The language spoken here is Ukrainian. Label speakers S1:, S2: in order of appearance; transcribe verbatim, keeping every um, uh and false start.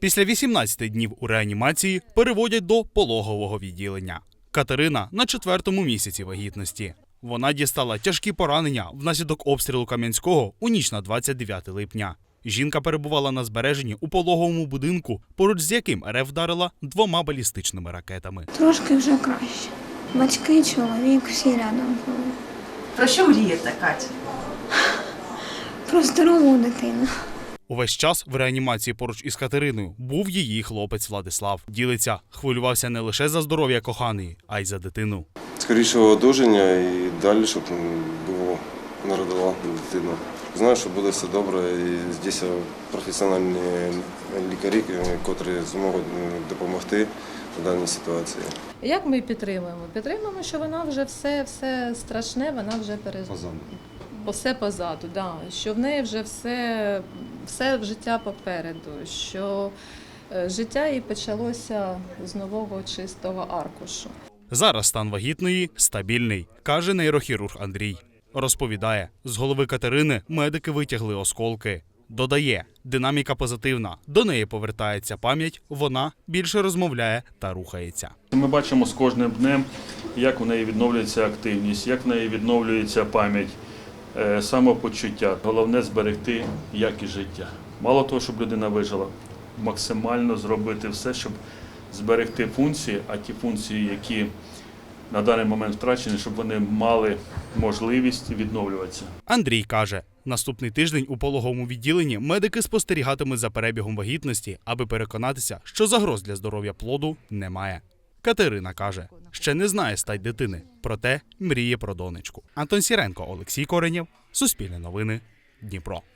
S1: Після вісімнадцяти днів у реанімації переводять до пологового відділення. Катерина на четвертому місяці вагітності. Вона дістала тяжкі поранення внаслідок обстрілу Кам'янського у ніч на двадцять дев'яте липня. Жінка перебувала на збереженні у пологовому будинку, поруч з яким РФ вдарила двома балістичними ракетами.
S2: Трошки вже краще. Батьки, чоловік, всі рядом були.
S3: Про що мрієте, Катя?
S2: Про здорову дитину.
S1: Увесь час в реанімації поруч із Катериною був її хлопець Владислав. Ділиться, хвилювався не лише за здоров'я коханої, а й за дитину.
S4: Скорішого одужання і далі, щоб було, народила дитину. Знаю, що буде все добре, і тут професіональні лікарі, які зможуть допомогти в даній ситуації.
S5: Як ми підтримуємо? Підтримуємо, що вона вже все, все страшне, вона вже перез...
S4: Позаду.
S5: Все позаду, да. Що в неї вже все, все життя попереду, що життя їй почалося з нового чистого аркушу.
S1: Зараз стан вагітної стабільний, каже нейрохірург Андрій. Розповідає, з голови Катерини медики витягли осколки. Додає, динаміка позитивна, до неї повертається пам'ять, вона більше розмовляє та рухається.
S6: Ми бачимо з кожним днем, як у неї відновлюється активність, як в неї відновлюється пам'ять, самопочуття. Головне – зберегти якість життя. Мало того, щоб людина вижила, максимально зробити все, щоб зберегти функції, а ті функції, які на даний момент втрачені, щоб вони мали можливість відновлюватися.
S1: Андрій каже, наступний тиждень у пологовому відділенні медики спостерігатимуть за перебігом вагітності, аби переконатися, що загроз для здоров'я плоду немає. Катерина каже, ще не знає стать дитини, проте мріє про донечку. Антон Сіренко, Олексій Коренєв, Суспільне новини, Дніпро.